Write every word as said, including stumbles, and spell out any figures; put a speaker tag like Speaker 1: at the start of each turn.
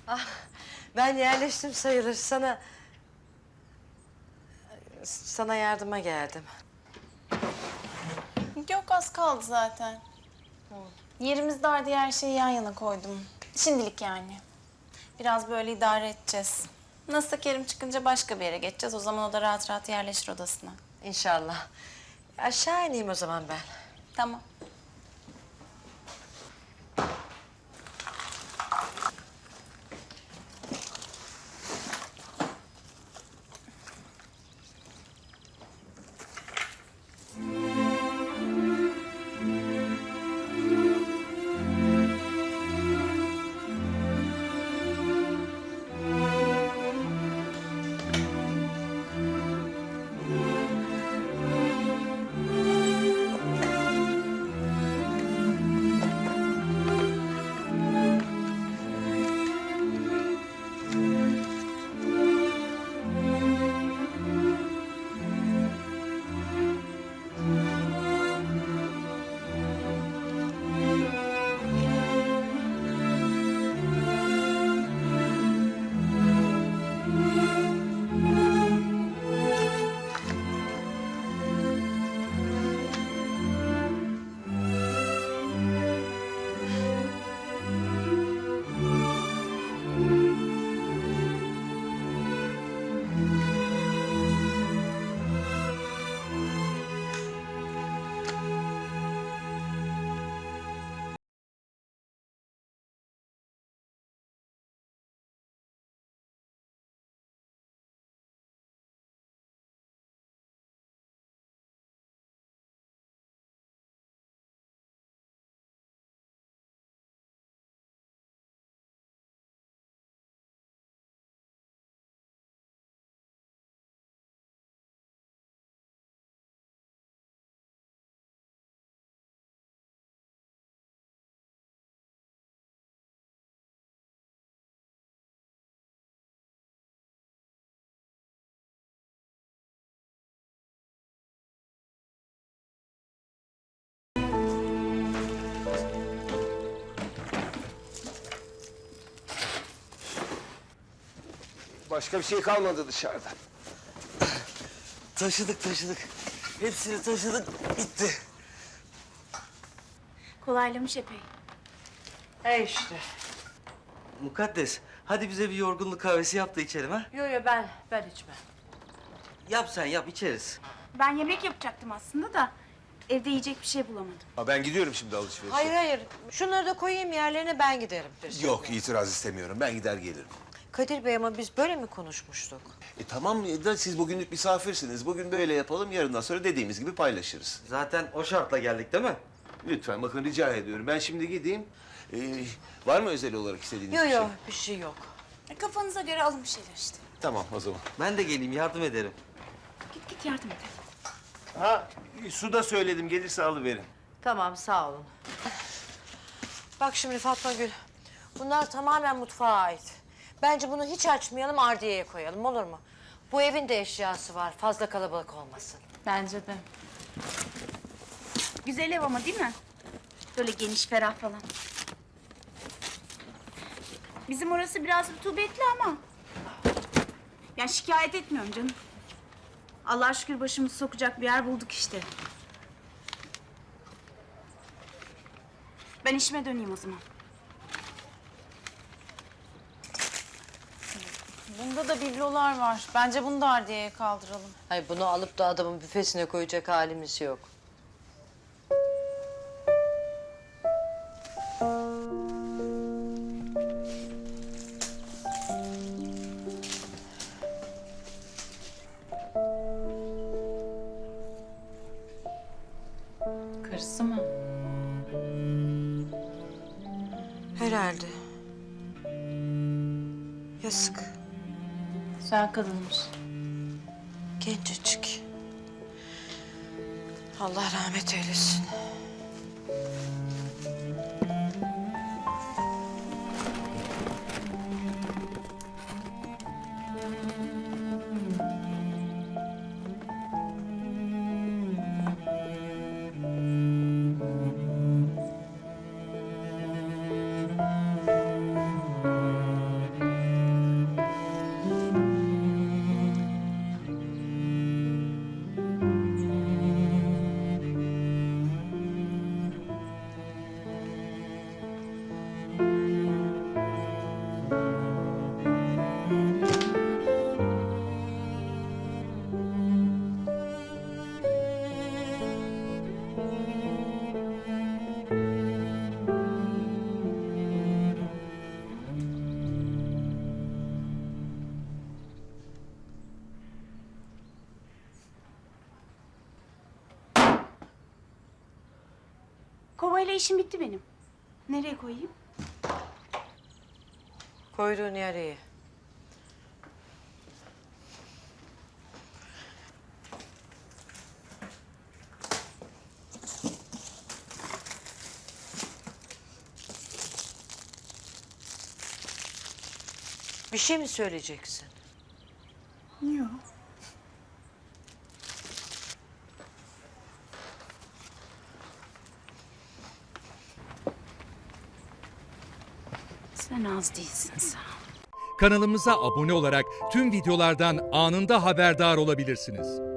Speaker 1: Ah, ben yerleştim sayılır. Sana... Sana yardıma geldim.
Speaker 2: Yok, az kaldı zaten. Yerimiz dar diye her şeyi yan yana koydum. Şimdilik yani. Biraz böyle idare edeceğiz. Nasılsa Kerim çıkınca başka bir yere geçeceğiz. O zaman o da rahat rahat yerleşir odasına.
Speaker 1: İnşallah. Aşağı ineyim o zaman ben.
Speaker 2: Tamam.
Speaker 3: Başka bir şey kalmadı dışarıda.
Speaker 4: Taşıdık taşıdık. Hepsini taşıdık. Bitti.
Speaker 2: Kolaylamış epey.
Speaker 1: He işte.
Speaker 4: Mukaddes, hadi bize bir yorgunluk kahvesi yap da içelim ha.
Speaker 1: Yo yo ben, ben içmem.
Speaker 4: Yap sen yap, içeriz.
Speaker 5: Ben yemek yapacaktım aslında da evde yiyecek bir şey bulamadım.
Speaker 3: Ha, ben gidiyorum şimdi alışverişe.
Speaker 1: Hayır hayır. Şunları da koyayım yerlerine ben giderim.
Speaker 3: Yok, itiraz istemiyorum. Ben gider gelirim.
Speaker 1: Kadir Bey ama biz böyle mi konuşmuştuk?
Speaker 3: E tamam da siz bugünlük misafirsiniz. Bugün böyle yapalım, yarından sonra dediğimiz gibi paylaşırız.
Speaker 4: Zaten o şartla geldik değil mi?
Speaker 3: Lütfen bakın rica ediyorum. Ben şimdi gideyim. Ee, var mı özel olarak istediğiniz
Speaker 1: Yo
Speaker 3: bir
Speaker 1: yo
Speaker 3: şey?
Speaker 1: bir şey yok.
Speaker 5: E, kafanıza göre alın bir şeyler işte.
Speaker 3: Tamam o zaman.
Speaker 4: Ben de geleyim, yardım ederim.
Speaker 5: Git git yardım et.
Speaker 3: Ha, su da söyledim. Gelirse alıverin.
Speaker 1: Tamam sağ olun. Bak şimdi Fatma Gül. Bunlar tamamen mutfağa ait. Bence bunu hiç açmayalım ardiyeye koyalım olur mu? Bu evin de eşyası var. Fazla kalabalık olmasın.
Speaker 2: Bence de.
Speaker 5: Güzel ev ama değil mi? Böyle geniş, ferah falan. Bizim orası biraz rutubetli ama. Yani şikayet etmiyorum canım. Allah'a şükür başımızı sokacak bir yer bulduk işte. Ben işime döneyim o zaman.
Speaker 2: Bunda da biblolar var. Bence bunu da ardiyeye kaldıralım.
Speaker 1: Hayır bunu alıp da adamın büfesine koyacak halimiz yok.
Speaker 2: Karısı mı?
Speaker 1: Herhalde. Yazık.
Speaker 2: Güzel kadınmış.
Speaker 1: Gencecik. Allah rahmet eylesin.
Speaker 5: Kovayla işim bitti benim. Nereye koyayım?
Speaker 1: Koyduğun yer iyi. Bir şey mi söyleyeceksin?
Speaker 5: Yok. Sen az değilsin sağ ol.
Speaker 6: Kanalımıza abone olarak tüm videolardan anında haberdar olabilirsiniz.